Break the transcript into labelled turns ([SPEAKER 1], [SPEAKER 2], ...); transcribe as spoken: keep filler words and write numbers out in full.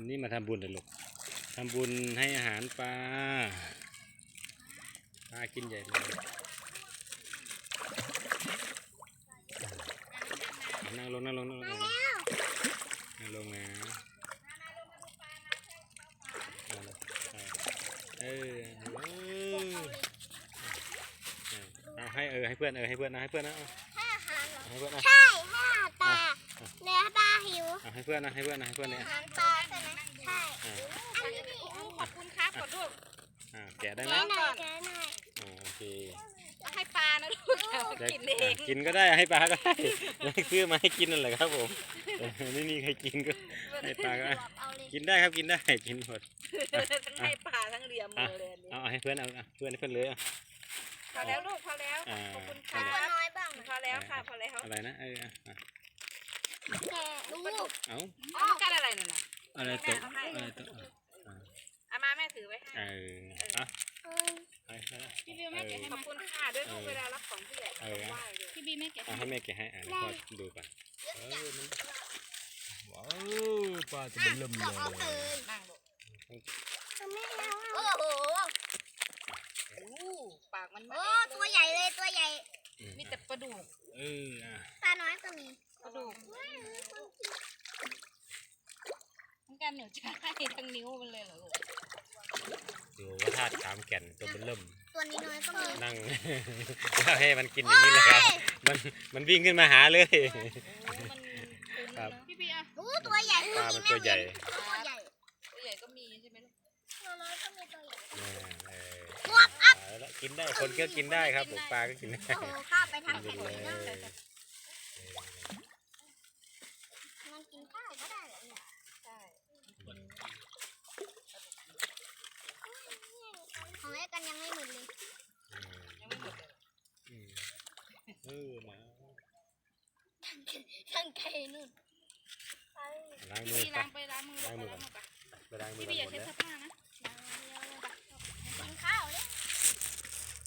[SPEAKER 1] นี่มาทำบุญเลยลูกทำบุญให้อาหารปลาปลากินใหญ่เลยนั่งลงนั่งลงนั่งลงนั่งลงนะเออเอาให้เออให้เพื่อนเออให้เพื่อนนะให้เพื่อนนะ
[SPEAKER 2] ให้อาหารเหรอ
[SPEAKER 1] ให้เพื่อนนะ
[SPEAKER 2] ใช่ให้อาหารปลาเนี่ยปลาหิว
[SPEAKER 1] ให้เพื่อนนะให้เพื่อนนะให้เพื่อนเนี่ย
[SPEAKER 2] อาหารปลาใช่ไหมใช่อันนี้นี่
[SPEAKER 3] ขอบคุณครับก่อนลูก
[SPEAKER 1] แกะได้ไหม
[SPEAKER 2] แกะหน่อยแกะหน่อย
[SPEAKER 1] โอเค
[SPEAKER 3] ให้ปลานะลูกกินเอง
[SPEAKER 1] กินก็ได้ให้ปลาก็ได้ซื้อมาให้กินนั่นแหละครับผมไม่มีใครกินก็ให้ปลาก็กินได้ครับกินได้กินหมด
[SPEAKER 3] ทั้งให้ปลาทั้งเลียมมือเลย
[SPEAKER 1] เอาให้เพื่อนเอาเพื่อนให้เพื่อนเลย
[SPEAKER 3] พอแล้วลูกพอแล้วขอบคุณค่ะ
[SPEAKER 2] น้อยบ้าง
[SPEAKER 3] พอแล้วค่ะพอแล้ว
[SPEAKER 1] อะไรนะเออ
[SPEAKER 2] แกะลูก
[SPEAKER 1] เอา
[SPEAKER 3] เอากันอะไรนั่นน่ะ
[SPEAKER 1] อะไรตัวอะไรตัว
[SPEAKER 3] อามาแม่ถือไว้ให้
[SPEAKER 1] เอออ่ะ
[SPEAKER 3] พี่บิวแม่แกะให้ขอบคุณค่ะด้วยลูกเวลารับของผู้ใหญ่ไหว้เลยพี่บิวแม่แกะ
[SPEAKER 1] ให้แม่แกะให้อ่ะพ่อดูไป
[SPEAKER 4] ว้าวปลาจะเป็นลมเลย
[SPEAKER 3] นั่งลูก
[SPEAKER 2] แม่แล้วโอ้โห
[SPEAKER 3] ปากมัน
[SPEAKER 2] โอ้ตัวใหญ่เลยตัวใหญ่
[SPEAKER 3] มีแต่ปลาดุก
[SPEAKER 1] เออ
[SPEAKER 2] ปลาน้อยก็มี
[SPEAKER 3] ปลาดุกทั้งการเหนียวช้าทั้งนิ้วมันเลยเหรอลูก
[SPEAKER 1] ดูว่าธาตุขามแก่นตัวเป็นเริ่ม
[SPEAKER 2] ตัวนี้น้อยก็มี
[SPEAKER 1] นั่งให้มันกินอย่างนี้เลยครับมันมันวิ่งขึ้นมาหาเลย
[SPEAKER 3] ครับพี่พี่อ่ะ
[SPEAKER 2] โอ้ตัวใหญ่
[SPEAKER 1] ปลามันตัวใหญ่
[SPEAKER 2] ตัวใหญ่
[SPEAKER 3] ตัวใหญ่ก็มีใช่ไหมลูก
[SPEAKER 2] ตัวน้อยก็มีตัวใหญ่
[SPEAKER 1] บวบอัพกินได้คนก็กินได้ครับผมปลาก็กินได้
[SPEAKER 2] โอ้ข้าไปทางแข็งเลยมันกินข้าวก็ได้เหรอเนี่ย
[SPEAKER 3] ใช่
[SPEAKER 2] ของไอ้กันยังไม่หมดเลย
[SPEAKER 3] ยังไม่หมดเลย
[SPEAKER 1] เออนะ
[SPEAKER 2] ทั้งไก่นู่น
[SPEAKER 1] ล้างมือ
[SPEAKER 3] ล้างไปล้างมือล้างมือไป
[SPEAKER 1] ไปล้างมือ
[SPEAKER 3] พี่พี่อย่าใช้เสื้อผ้านะ
[SPEAKER 2] กินข้าวเลย